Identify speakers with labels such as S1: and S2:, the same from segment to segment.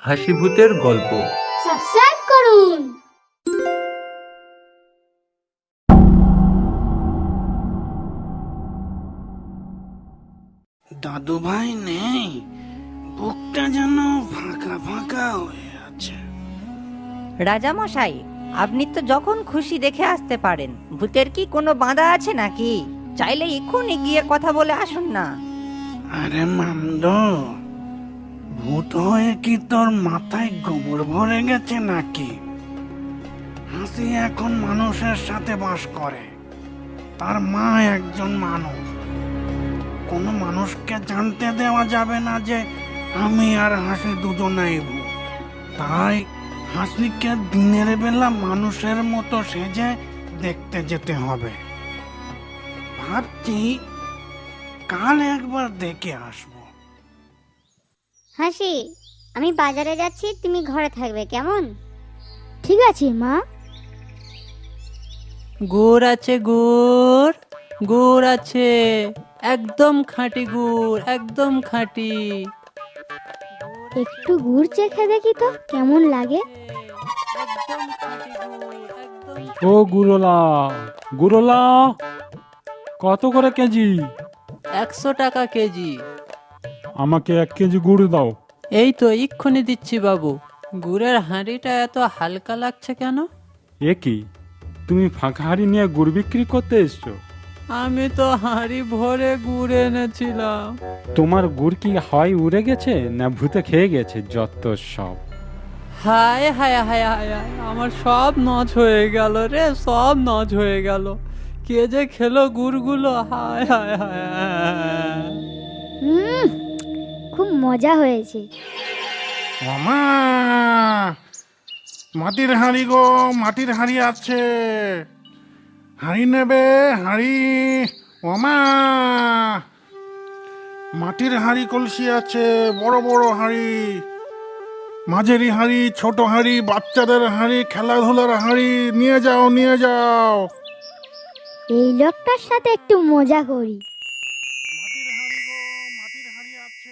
S1: হাসিভূতের গল্প।
S2: সাবস্ক্রাইব করুন।
S3: দাদু ভাই নেই, বুকটা যেন ফাঁকা ফাঁকা হয়ে আছে।
S4: রাজামশাই, আপনি তো যখন খুশি দেখে আসতে পারেন। ভূতের কি কোনো বাঁধা আছে নাকি? চাইলে এক্ষুনি গিয়ে কথা বলে আসুন না।
S3: আরে মামদ, ভূত হয়ে কি তোর মাথায় গোবর ভরে গেছে নাকি? হাসি এখন মানুষের সাথে বাস করে। তার মা একজন মানুষ। কোনো মানুষকে জানতে দেওয়া যাবে না যে আমি আর হাসি দুজনেই ভূত। তাই হাসিকে দিনের বেলা মানুষের মতো সেজে দেখতে যেতে হবে। ভাবছি কাল একবার দেখে আসবো।
S5: হাসি, আমি বাজারে যাচ্ছি, তুমি ঘরে থাকবে কেমন?
S2: ঠিক আছে মা।
S6: গুড় আছে, গুড় গুড় আছে, একদম খাঁটি গুড়, একদম খাঁটি।
S2: একটু গুড় চেখে দেখি তো কেমন লাগে।
S6: একদম খাঁটি গুড়, একদম।
S7: ও গুরলা, গুরলা কত করে কেজি?
S6: 100 টাকা কেজি।
S7: আমাকে 1 কেজি গুড় দাও।
S6: এই তো এক্ষুনি দিচ্ছি বাবু। গুড়ের হাঁড়িটা এত হালকা লাগছে কেন?
S7: এ কি, তুমি ফাঁকা হাঁড়ি নিয়ে গুড় বিক্রি করতে এসছো?
S6: আমি তো হাঁড়ি ভরে গুড় এনেছিলাম।
S7: তোমার গুড় কি হাওয়ায় উড়ে গেছে না ভূতে খেয়ে গেছে? যত সব।
S6: হায় হায় হায় হায় হায়, আমার সব নজ হয়ে গেল রে, সব নজ হয়ে গেল। কে যে খেলো গুড়গুলো, হায় হায় হায় হায়।
S2: খুব মজা হয়েছে।
S3: মামা, মাটির হাঁড়ি গো, মাটির হাঁড়ি আছে। হাঁড়ি নেবে? হাঁড়ি মামা, মাটির হাঁড়ি কলসি আছে, বড় বড় হাঁড়ি, মাঝারি হাঁড়ি, ছোট হাঁড়ি, বাচ্চাদের হাঁড়ি, খেলাধুলার হাঁড়ি। নিয়ে যাও, নিয়ে যাও।
S2: এই লোকটার সাথে একটু মজা করি।
S3: মাটির হাঁড়ি গো, মাটির হাঁড়ি আছে।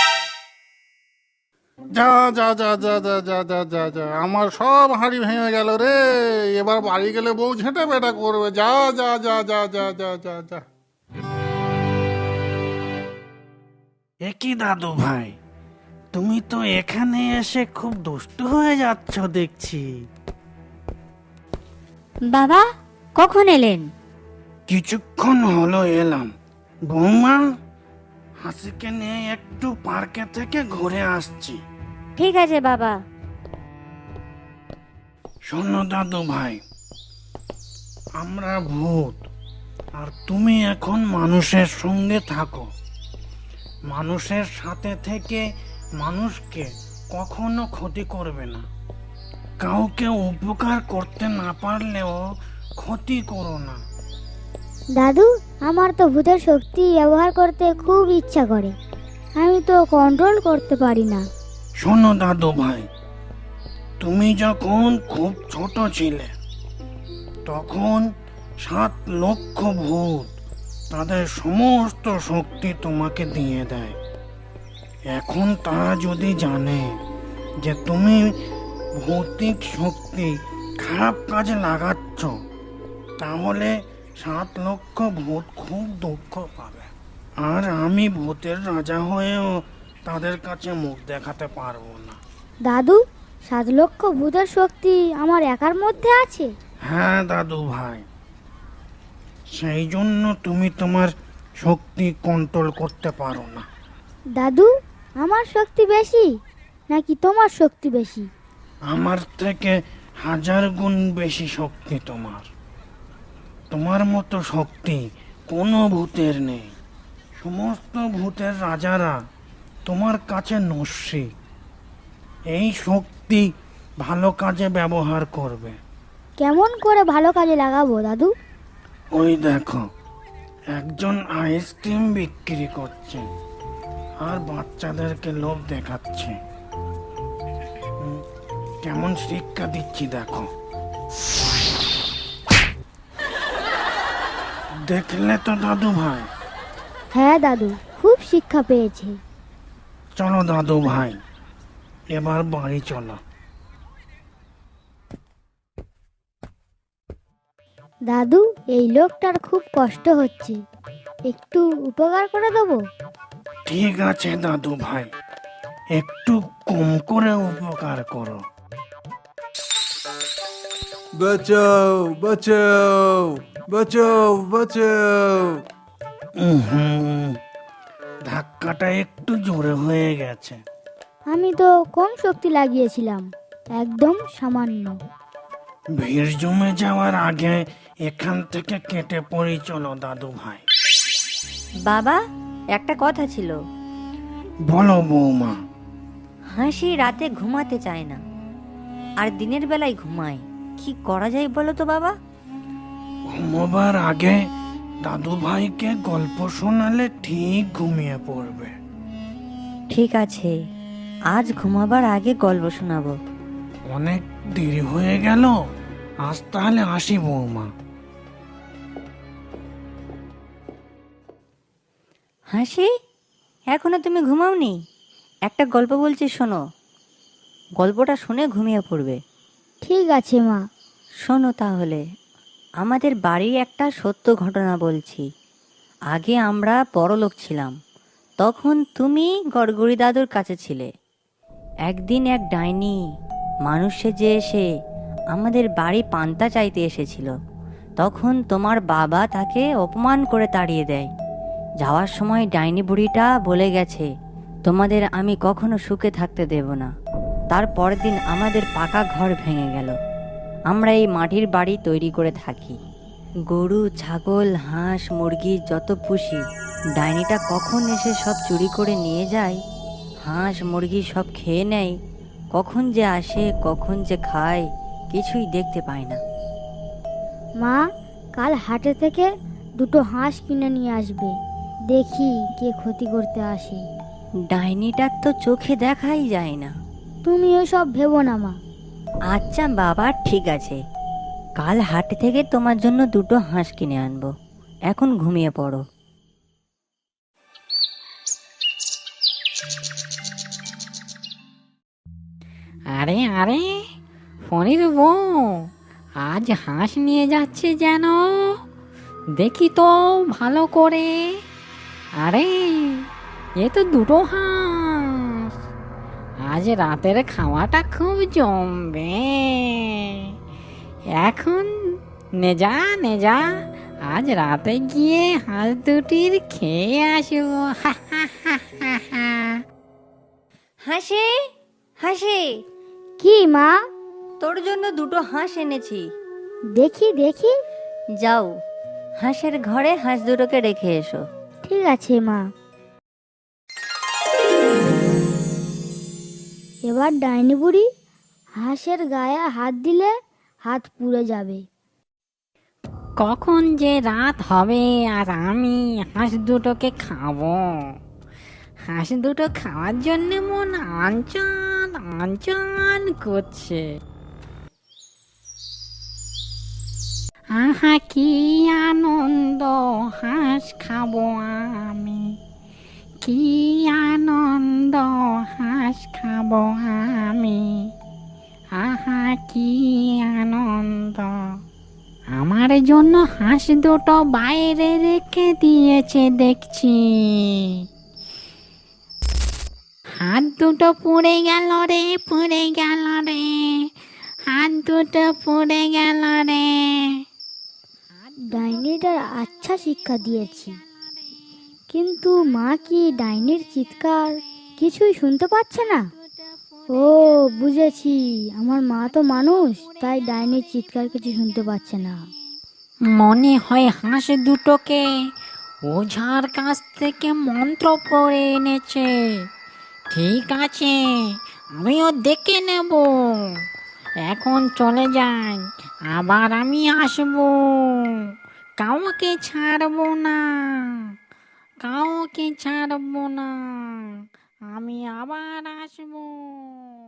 S3: যা যা যা যা যা যা যা যা যা, আমার সব হাঁড়ি ভেঙে গেল রে। এবার বাড়ি গেলে বউ ঝেঁটে বেটা করবে। যা যা যা যা যা যা যা যা। একই দাদু ভাই, তুমি তো এখানে এসে খুব দুষ্ট হয়ে যাচ্ছ দেখছি।
S5: বাবা, কখন এলেন?
S3: কিছুক্ষণ হলো এলাম। বৌমা, হাসিকে নিয়ে একটু পার্কে থেকে ঘুরে আসছি।
S5: ঠিক আছে বাবা।
S3: শোনো দাদু ভাই, আমরা ভূত, আর তুমি এখন মানুষের সঙ্গে থাকো। মানুষের সাথে থেকে মানুষকে কখনো ক্ষতি করবে না। কাউকে উপকার করতে না পারলেও ক্ষতি করো না।
S2: দাদু, আমার তো ভূতের শক্তি ব্যবহার করতে খুব ইচ্ছা করে। আমি তো কন্ট্রোল করতে পারি না।
S3: শোনো দাদু ভাই, তুমি যখন খুব ছোট ছিলে তখন 7 লক্ষ ভূত তাদের সমস্ত শক্তি তোমাকে দিয়ে দেয়। এখন তারা যদি জানে যে তুমি ভৌতিক শক্তি খারাপ কাজে লাগাচ্ছ, তাহলে 7 লক্ষ ভূত খুব দুঃখ পাবে। আর আমি ভূতের রাজা হয়েও তাদের কাছে মুখ দেখাতে পারবো না।
S2: দাদু, 7 লক্ষ ভূতের শক্তি আমার একার মধ্যে আছে?
S3: হ্যাঁ দাদু ভাই, সেই জন্য তুমি তোমার শক্তি কন্ট্রোল করতে পারো না।
S2: দাদু, আমার শক্তি বেশি নাকি তোমার শক্তি বেশি?
S3: আমার থেকে 1000 গুণ বেশি শক্তি তোমার। তোমার মতো শক্তি কোনো ভূতের নেই। সমস্ত ভূতের রাজারা তোমার কাছে নস্যি। এই শক্তি ভালো কাজে ব্যবহার করবে।
S2: কেমন করে ভালো কাজে লাগাবো দাদু?
S3: ওই দেখো, একজন আইসক্রিম বিক্রি করছে আর বাচ্চাদেরকে লোভ দেখাচ্ছে। কেমন শিক্ষা দিচ্ছি দেখো। দেখলে তো দাদু ভাই?
S2: হ্যাঁ দাদু, খুব শিক্ষা পেয়েছে।
S3: চলো দাদু ভাই, এবার বাড়ি চলো।
S2: দাদু, এই লোকটার খুব কষ্ট হচ্ছে, একটু উপকার করে দেবো।
S3: ঠিক আছে দাদু ভাই, একটু কম করে উপকার করো।
S1: বাঁচাও বাঁচাও বাঁচাও বাঁচাও।
S3: হুম, ধাক্কাটা একটু জোরে হয়ে গেছে।
S2: আমি তো কম শক্তি লাগিয়েছিলাম, একদম সামান্য।
S3: ভিড় জমে যাওয়ার আগে এখান থেকে কেটে পড়ি চলো দাদু ভাই।
S4: বাবা, একটা কথা ছিল।
S3: বলো বৌমা।
S4: হাসি রাতে ঘুমাতে চায় না, আর দিনের বেলায় ঘুমায়। কি করা যায় বলো তো বাবা?
S3: ঘুমোবার আগে দাদু ভাইকে গল্প শোনালে ঠিক ঘুমিয়ে পড়বে।
S4: ঠিক আছে, আজ ঘুমাবার আগে গল্প শোনাবো।
S3: অনেক দেরি হয়ে গেল, আজ তাহলে আসি বৌমা।
S4: হাসি, এখনো তুমি ঘুমাওনি? একটা গল্প বলছি, শোনো। গল্পটা শুনে ঘুমিয়ে পড়বে।
S2: ঠিক আছে মা।
S4: শোনো তাহলে, আমাদের বাড়ির একটা সত্য ঘটনা বলছি। আগে আমরা বড়লোক ছিলাম, তখন তুমি গড়গড়ি দাদুর কাছে ছিলে। একদিন এক ডাইনি মানুষ সেজে এসে আমাদের বাড়ি পান্তা চাইতে এসেছিল। তখন তোমার বাবা তাকে অপমান করে তাড়িয়ে দেয়। যাওয়ার সময় ডাইনি বুড়িটা বলে গেছে, তোমাদের আমি কখনো সুখে থাকতে দেব না। তার পরের দিন আমাদের পাকা ঘর ভেঙে গেল। আমরা এই মাটির বাড়ি তৈরি করে থাকি। গরু, ছাগল, হাঁস, মুরগি যত পুষি, ডাইনিটা কখন এসে সব চুরি করে নিয়ে যায়। হাঁস মুরগি সব খেয়ে নেয়। কখন যে আসে, কখন যে খায়, কিছুই দেখতে পায় না।
S2: মা, কাল হাটে থেকে দুটো হাঁস কিনে নিয়ে আসবে, দেখি কে ক্ষতি করতে আসে।
S4: ডাইনিটার তো চোখে দেখাই যায় না।
S2: তুমি ওসব ভেবো না মা।
S4: আচ্ছা বাবা, ঠিক আছে, কাল হাট থেকে তোমার জন্য দুটো হাঁস কিনে আনবো। এখন ঘুমিয়ে পড়ো।
S8: আরে আরে, ফণির বউ আজ হাঁস নিয়ে যাচ্ছে যেন, দেখি তো ভালো করে। আরে, এ তো দুটো হাঁস, আজ রাতের খাওয়াটা খুব জমবে। এখন নে যা নে যা, আজ রাতে গিয়ে হাঁস দুটির খেয়ে আসবো। হা হা হা হা হা।
S4: হাসি, হাসি,
S2: কি মা?
S4: তোর জন্য দুটো হাঁস এনেছি।
S2: দেখি দেখি।
S4: যাও, হাঁসের ঘরে হাঁস দুটোকে রেখে এসো।
S2: ঠিক আছে মা। এবার ডাইনি বুড়ি হাঁসের গায়ে হাত দিলে হাত পুড়ে যাবে।
S8: কখন যে রাত হবে আর আমি হাঁস দুটোকে খাবো। হাঁস দুটো খাওয়ার জন্য মন আনচান আনচান করছে। আহা কি আনন্দ, হাঁস খাবো আমি। কি আনন্দ, হাঁস খাবো আমি। আহা কি আনন্দ। আমার জন্য হাঁস দুটো বাইরে রেখে দিয়েছে দেখছি। হাত দুটো পুড়ে গেল রে, পুড়ে গেল রে, হাত দুটো পুড়ে গেল রে।
S2: ডাইনিটার আচ্ছা শিক্ষা দিয়েছি, কিন্তু মা কি ডাইনির চিৎকার কিছুই শুনতে পাচ্ছে না? ও বুঝেছি, আমার মা তো মানুষ, তাই ডাইনির চিৎকার কিছু শুনতে পাচ্ছে না।
S8: মনে হয় হাঁস দুটোকে ওঝার কাছ থেকে মন্ত্র পড়ে এনেছে। ঠিক আছে, আমিও দেখে নেব। এখন চলে যাই, আবার আমি আসবো। কাউকে ছাড়বো না, কাউকে ছাড়বো না, আমি আবার আসবো।